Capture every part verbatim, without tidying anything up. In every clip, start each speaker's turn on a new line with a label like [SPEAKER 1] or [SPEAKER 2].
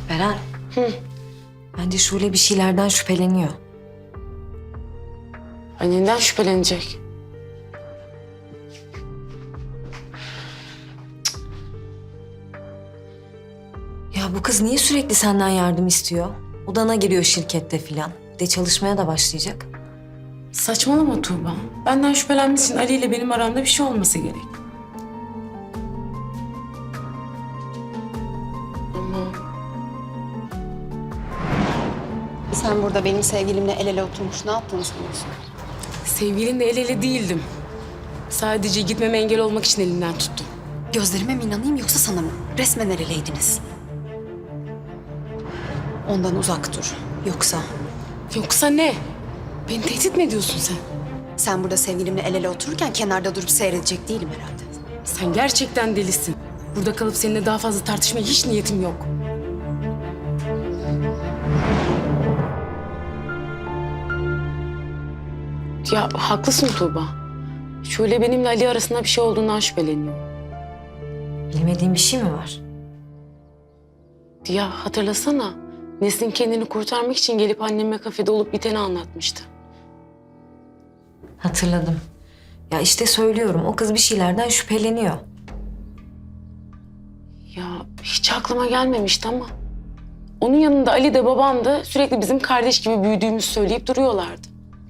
[SPEAKER 1] Beren.
[SPEAKER 2] Hı.
[SPEAKER 1] Bence Şule bir şeylerden şüpheleniyor.
[SPEAKER 2] Annenden şüphelenecek.
[SPEAKER 1] Ya bu kız niye sürekli senden yardım istiyor? Odana giriyor şirkette filan. Bir de çalışmaya da başlayacak.
[SPEAKER 2] Saçmalama Tuğba. Benden şüphelenmek için Ali ile benim aramda bir şey olması gerek. Ama
[SPEAKER 3] Sen burada benim sevgilimle el ele oturmuş ne yaptığını sanıyorsun?
[SPEAKER 2] sevgilinle el ele değildim. Sadece gitmeme engel olmak için elinden tuttum.
[SPEAKER 3] Gözlerime mi inanayım yoksa sana mı? Resmen el eleydiniz. Ondan uzak dur. Yoksa
[SPEAKER 2] Yoksa ne? Beni tehdit mi ediyorsun sen?
[SPEAKER 3] sen burada sevgilimle el ele otururken kenarda durup seyredecek değilim herhalde.
[SPEAKER 2] Sen gerçekten delisin. Burada kalıp seninle daha fazla tartışmaya hiç niyetim yok. Ya haklısın Tuğba. Şöyle benimle Ali arasında bir şey olduğundan şüpheleniyor.
[SPEAKER 1] Bilmediğin bir şey mi var?
[SPEAKER 2] Ya hatırlasana. Nesrin kendini kurtarmak için gelip anneme kafede olup biteni anlatmıştı.
[SPEAKER 1] Hatırladım. Ya işte söylüyorum, o kız bir şeylerden şüpheleniyor.
[SPEAKER 2] Ya hiç aklıma gelmemişti ama. Onun yanında Ali de babam da sürekli bizim kardeş gibi büyüdüğümüzü söyleyip duruyorlardı.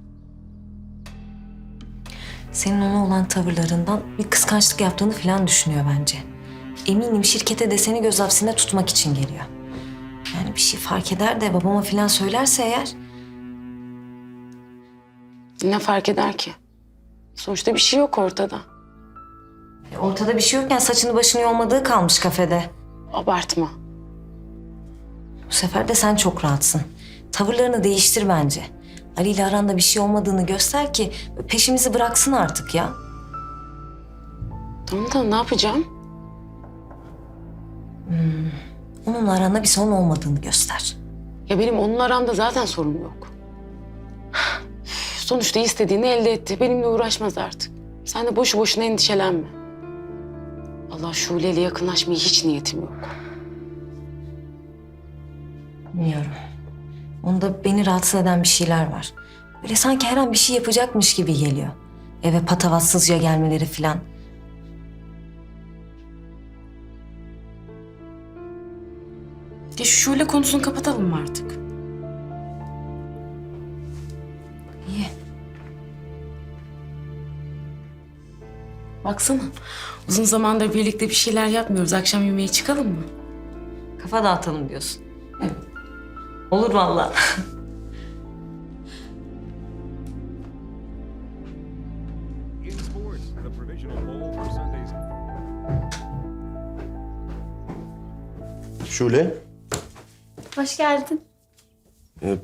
[SPEAKER 1] Senin ona olan tavırlarından bir kıskançlık yaptığını falan düşünüyor bence. Eminim şirkete de seni göz hapsinde tutmak için geliyor. Yani bir şey fark eder de babama falan söylerse eğer...
[SPEAKER 2] Ne fark eder ki? Sonuçta bir şey yok ortada.
[SPEAKER 1] e, Ortada bir şey yokken saçını başını yolmadığı kalmış kafede.
[SPEAKER 2] Abartma.
[SPEAKER 1] Bu sefer de sen çok rahatsın. Tavırlarını değiştir bence. Ali ile aranda bir şey olmadığını göster ki peşimizi bıraksın artık ya.
[SPEAKER 2] Tamam da ne yapacağım?
[SPEAKER 1] Onunla aranda bir sorun olmadığını göster.
[SPEAKER 2] Ya benim onun aramda zaten sorun yok. Sonuçta istediğini elde etti. Benimle uğraşmaz artık. Sen de boşu boşuna endişelenme. Allah Şule ile yakınlaşmaya hiç niyetim yok.
[SPEAKER 1] Bilmiyorum. Onda beni rahatsız eden bir şeyler var. Böyle sanki her an bir şey yapacakmış gibi geliyor. Eve patavatsızca gelmeleri falan.
[SPEAKER 2] Ya şu Şule konusunu kapatalım mı artık?
[SPEAKER 1] İyi.
[SPEAKER 2] Baksana. Uzun zamandır birlikte bir şeyler yapmıyoruz. Akşam yemeğe çıkalım mı?
[SPEAKER 1] Kafa dağıtalım diyorsun. Evet. Olur vallahi.
[SPEAKER 4] In sports, the provisional poll for Sunday's.
[SPEAKER 5] Şule,
[SPEAKER 6] Hoş geldin.
[SPEAKER 5] e,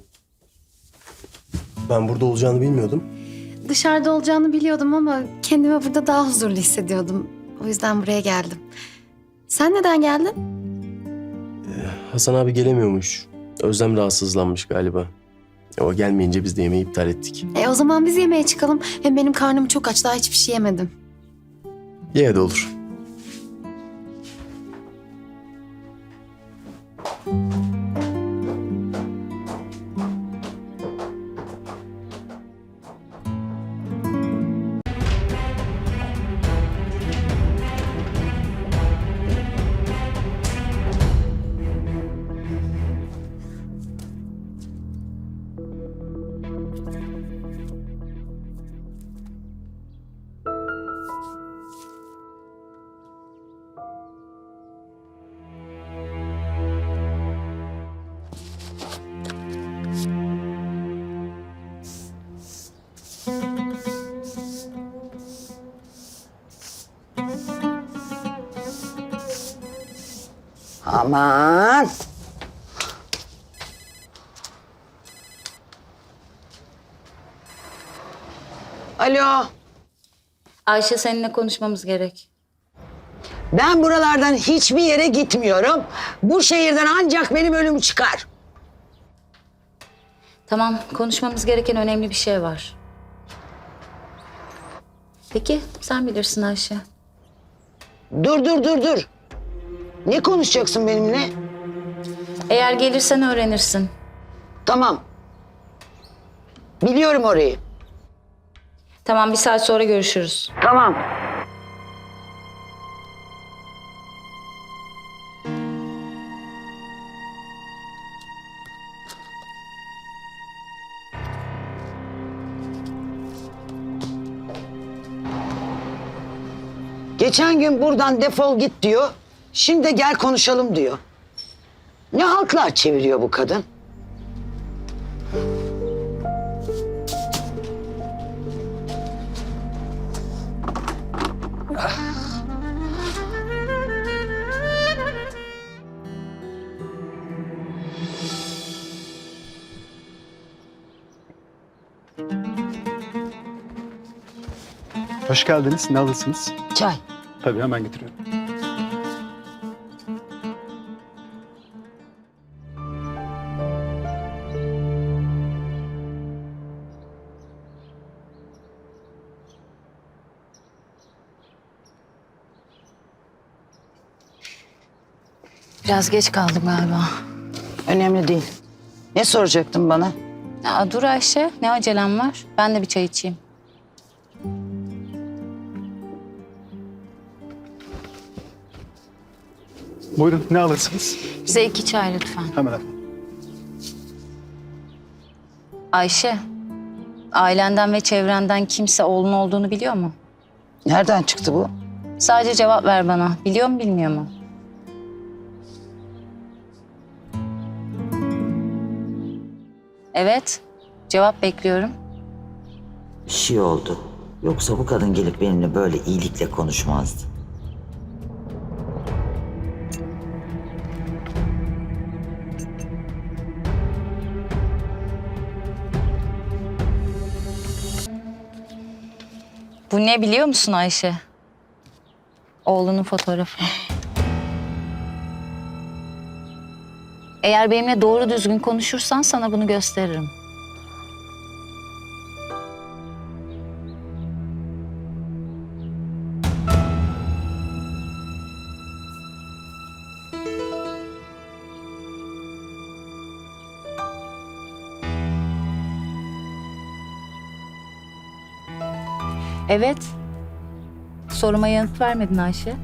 [SPEAKER 5] ben burada olacağını bilmiyordum.
[SPEAKER 6] Dışarıda olacağını biliyordum ama kendimi burada daha huzurlu hissediyordum. O yüzden buraya geldim. Sen neden geldin?
[SPEAKER 5] Hasan abi gelemiyormuş. Özlem rahatsızlanmış galiba. E, o gelmeyince biz de yemeği iptal ettik.
[SPEAKER 6] E o zaman biz yemeğe çıkalım. Hem benim karnım çok aç, daha hiçbir şey yemedim.
[SPEAKER 5] Ye de olur.
[SPEAKER 7] Aman. Alo.
[SPEAKER 8] Ayşe, seninle konuşmamız gerek.
[SPEAKER 7] Ben buralardan hiçbir yere gitmiyorum. Bu şehirden ancak benim ölüm çıkar.
[SPEAKER 8] Tamam, konuşmamız gereken önemli bir şey var. Peki, sen bilirsin Ayşe.
[SPEAKER 7] Dur dur dur dur. Ne konuşacaksın benimle?
[SPEAKER 8] Eğer gelirsen öğrenirsin.
[SPEAKER 7] Tamam. Biliyorum orayı.
[SPEAKER 8] Tamam, bir saat sonra görüşürüz.
[SPEAKER 7] Tamam. Geçen gün buradan defol git diyor. Şimdi de gel konuşalım diyor. Ne haltlar çeviriyor bu kadın?
[SPEAKER 9] Hoş geldiniz. Ne alırsınız?
[SPEAKER 7] Çay.
[SPEAKER 9] Tabii hemen getiriyorum.
[SPEAKER 8] Biraz geç kaldım galiba.
[SPEAKER 7] Önemli değil. Ne soracaktın bana?
[SPEAKER 8] Ya dur Ayşe, ne acelem var? Ben de bir çay içeyim.
[SPEAKER 9] Buyurun, ne alırsınız?
[SPEAKER 8] Bize iki çay lütfen.
[SPEAKER 9] Hemen efendim.
[SPEAKER 8] Ayşe, ailenden ve çevrenden kimse oğlun olduğunu biliyor mu?
[SPEAKER 7] Nereden çıktı bu?
[SPEAKER 8] Sadece cevap ver bana. Biliyor mu, bilmiyor mu? Evet, cevap bekliyorum.
[SPEAKER 10] Bir şey oldu. Yoksa bu kadın gelip benimle böyle iyilikle konuşmazdı.
[SPEAKER 8] Bu ne biliyor musun Ayşe? Oğlunun fotoğrafı. Eğer benimle doğru düzgün konuşursan sana bunu gösteririm. Evet. Soruma yanıt vermedin Ayşe.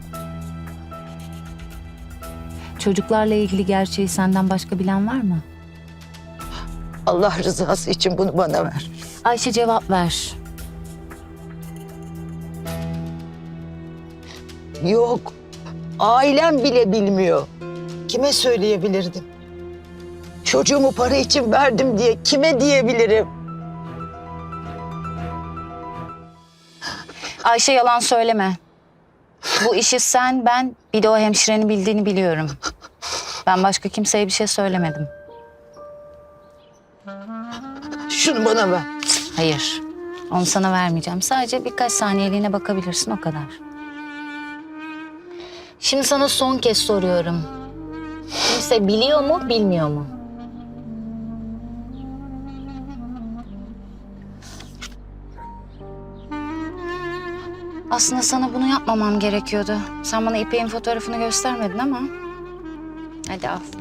[SPEAKER 8] Çocuklarla ilgili gerçeği senden başka bilen var mı?
[SPEAKER 7] Allah rızası için bunu bana ver.
[SPEAKER 8] Ayşe cevap ver.
[SPEAKER 7] Yok. Ailem bile bilmiyor. Kime söyleyebilirdim? Çocuğumu para için verdim diye kime diyebilirim?
[SPEAKER 8] Ayşe yalan söyleme. Bu işi sen, ben, bir de o hemşirenin bildiğini biliyorum. Ben başka kimseye bir şey söylemedim.
[SPEAKER 7] Şunu bana ver.
[SPEAKER 8] Hayır, onu sana vermeyeceğim. Sadece birkaç saniyeliğine bakabilirsin, o kadar. Şimdi sana son kez soruyorum. Kimse biliyor mu, bilmiyor mu? Aslında sana bunu yapmamam gerekiyordu. Sen bana İpek'in fotoğrafını göstermedin ama. Hadi al.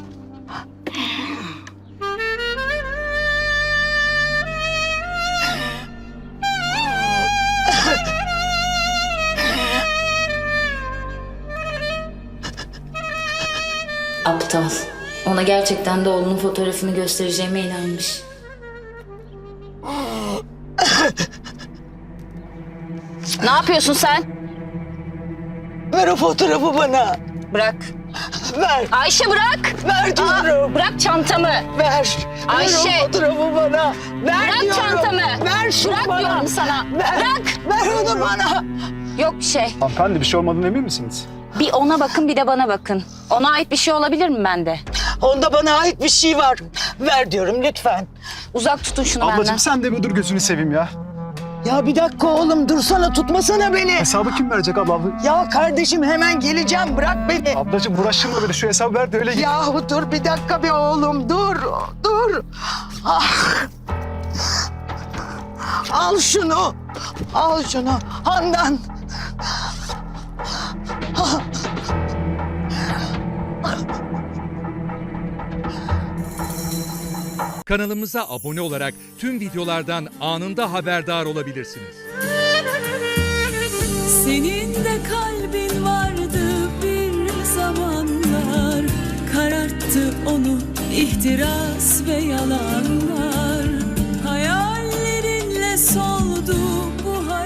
[SPEAKER 8] Aptal. Ona gerçekten de oğlunun fotoğrafını göstereceğime inanmış. Ne yapıyorsun sen?
[SPEAKER 7] Ver o fotoğrafı bana.
[SPEAKER 8] Bırak.
[SPEAKER 7] Ver.
[SPEAKER 8] Ayşe bırak.
[SPEAKER 7] Ver diyorum.
[SPEAKER 8] Aa, bırak çantamı.
[SPEAKER 7] Ver.
[SPEAKER 8] Ayşe.
[SPEAKER 7] Ver o fotoğrafı bana. Ver
[SPEAKER 8] Bırak
[SPEAKER 7] diyorum.
[SPEAKER 8] çantamı.
[SPEAKER 7] Ver şunu
[SPEAKER 8] Bırak
[SPEAKER 7] bana.
[SPEAKER 8] diyorum sana.
[SPEAKER 7] Ver.
[SPEAKER 8] Bırak.
[SPEAKER 7] Ver onu bana.
[SPEAKER 8] Yok bir şey.
[SPEAKER 9] Hanımefendi bir şey olmadığına emin misiniz?
[SPEAKER 8] Bir ona bakın bir de bana bakın. Ona ait bir şey olabilir mi bende?
[SPEAKER 7] Onda bana ait bir şey var. Ver diyorum lütfen.
[SPEAKER 8] Uzak tutun şunu benden.
[SPEAKER 9] Ablacığım sen de bir dur gözünü seveyim ya.
[SPEAKER 7] Ya bir dakika oğlum dursana tutmasana beni.
[SPEAKER 9] Hesabı kim verecek abla? abla?
[SPEAKER 7] Ya kardeşim hemen geleceğim bırak beni.
[SPEAKER 9] Ablacığım uğraştırma beni şu hesabı ver de öyle git.
[SPEAKER 7] Yahu dur bir dakika bir oğlum dur dur. Ah. Al şunu. Al şunu. Handan.
[SPEAKER 11] Kanalımıza abone olarak tüm videolardan anında haberdar olabilirsiniz.
[SPEAKER 12] Senin de kalbin vardı bir zamanlar, kararttı onu ihtiras ve yalanlar. Hayallerinle soldu